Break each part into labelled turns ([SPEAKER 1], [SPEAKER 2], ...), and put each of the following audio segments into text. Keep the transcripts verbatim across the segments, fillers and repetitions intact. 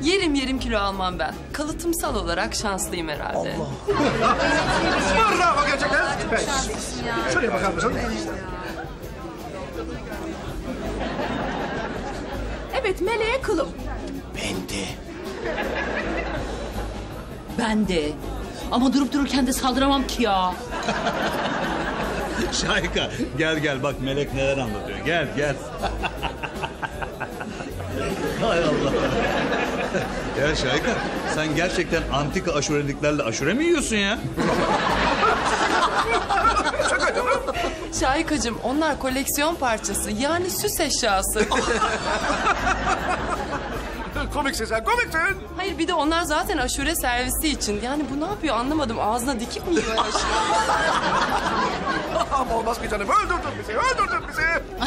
[SPEAKER 1] Yerim yerim kilo almam ben. Kalıtımsal olarak şanslıyım herhalde.
[SPEAKER 2] Allah. Bravo gerçekten. Evet. Şuraya bakar mısın?
[SPEAKER 3] Evet, meleğe kılım.
[SPEAKER 2] Ben de.
[SPEAKER 3] Ben de. Ama durup dururken de saldıramam ki ya.
[SPEAKER 4] Şahika gel gel bak Melek neler anlatıyor. Gel gel. Hay Allah. Ya Şahika sen gerçekten antika aşureliklerle aşure mi yiyorsun ya?
[SPEAKER 1] Şahikacığım onlar koleksiyon parçası yani süs eşyası.
[SPEAKER 2] Komiksin sen, komiksin.
[SPEAKER 1] Hayır bir de onlar zaten aşure servisi için. Yani bu ne yapıyor anlamadım. Ağzına dikip mi yiyor aşure?
[SPEAKER 2] Ama olmaz ki canım. Öldürdün bizi, öldürdün bizi.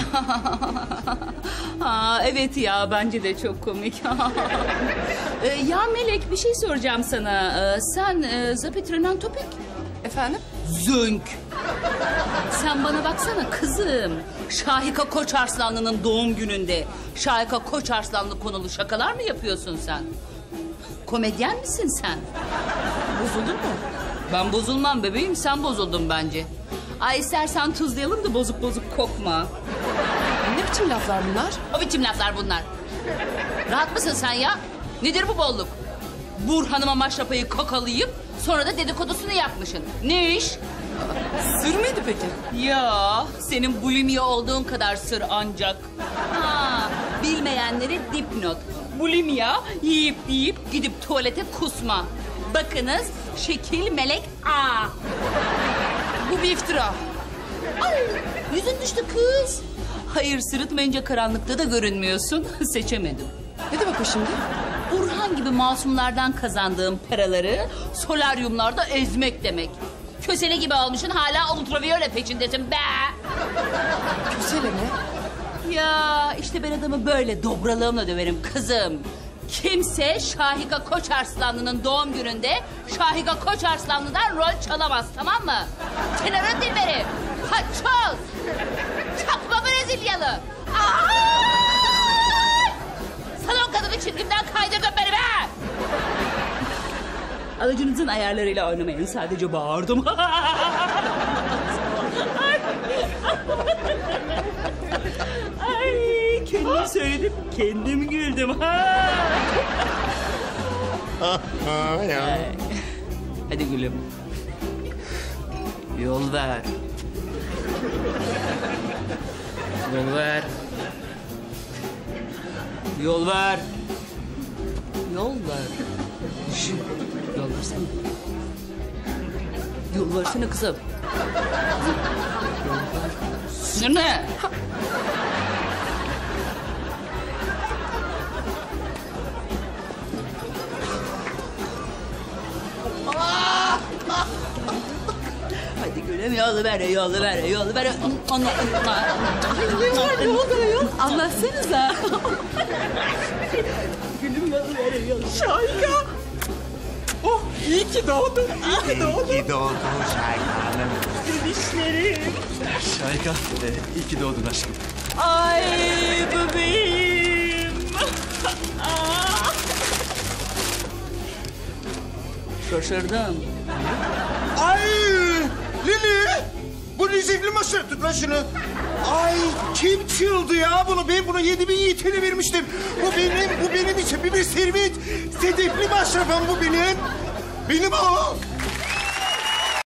[SPEAKER 3] Aa, evet ya, bence de çok komik. ee, ya Melek, bir şey soracağım sana. Ee, sen e, Zapitrenen Topik.
[SPEAKER 1] Efendim?
[SPEAKER 3] Zönk. Sen bana baksana kızım. Şahika Koçarslanlı'nın doğum gününde Şahika Koçarslanlı konulu şakalar mı yapıyorsun sen? Komedyen misin sen? Bozuldun mu? Ben bozulmam bebeğim, sen bozuldun bence. Ay istersen tuzlayalım da bozuk bozuk kokma.
[SPEAKER 1] Ne biçim laflar bunlar?
[SPEAKER 3] O biçim laflar bunlar. Rahat mısın sen ya? Nedir bu bolluk? Burhan'ıma maşrapayı kokalayıp sonra da dedikodusunu yapmışsın. Ne iş?
[SPEAKER 1] Sır mıydı peki?
[SPEAKER 3] Ya senin bulimiye olduğun kadar sır ancak. Ha, bilmeyenlere dipnot. Bulimia yiyip yiyip gidip tuvalete kusma. Bakınız şekil melek A.
[SPEAKER 1] Bu bir iftira.
[SPEAKER 3] Ay, yüzün düştü kız. Hayır sırıtmayınca karanlıkta da görünmüyorsun. Seçemedim.
[SPEAKER 1] Ne demek o şimdi?
[SPEAKER 3] Burhan gibi masumlardan kazandığım paraları solaryumlarda ezmek demek. Kösele gibi olmuşsun hala ultraviyole peşindesin be.
[SPEAKER 1] Kösele mi?
[SPEAKER 3] Ya işte ben adamı böyle dobralığımla döverim kızım. Kimse Şahika Koçarslanlı'nın doğum gününde Şahika Koçarslanlı'dan rol çalamaz, tamam mı? Kenarın dilberi, haçoz, çakma Brezilyalı. Ay! Salon kadını çizgimden kaydırdın beni be! Alıcınızın ayarlarıyla oynamayın, sadece bağırdım. Ay, kendim söyledim, kendim güldüm. Hadi gülüm. Yol ver. Yol ver. Yol ver. Yol ver. Şş, yol versene. Yol versene kızım. Sinir ne? Hadi gülüm yolu ver, yolu ver, yolu ver. Anla, anla.
[SPEAKER 1] Ne var ne oldu ayol? Anlatsanıza.
[SPEAKER 3] Gülüm yolu ver, yolu ver.
[SPEAKER 1] Şahika. Oh iyi ki doğdun, iyi ki doğdun.
[SPEAKER 2] İyi ki doğdun Şahika Hanım.
[SPEAKER 3] Dişlerim.
[SPEAKER 4] Şahika e, iyi ki doğdun aşkım.
[SPEAKER 3] Ay bebeğim. Şaşırdım.
[SPEAKER 2] Ay Lili. Bu rezilli maşa. Tut lan şunu. Ay kim çıldı ya bunu? Ben bunu yedi bin yiğitine vermiştim. Bu benim, bu benim için bir servet. Sedefli maşrafım bu benim. Benim o.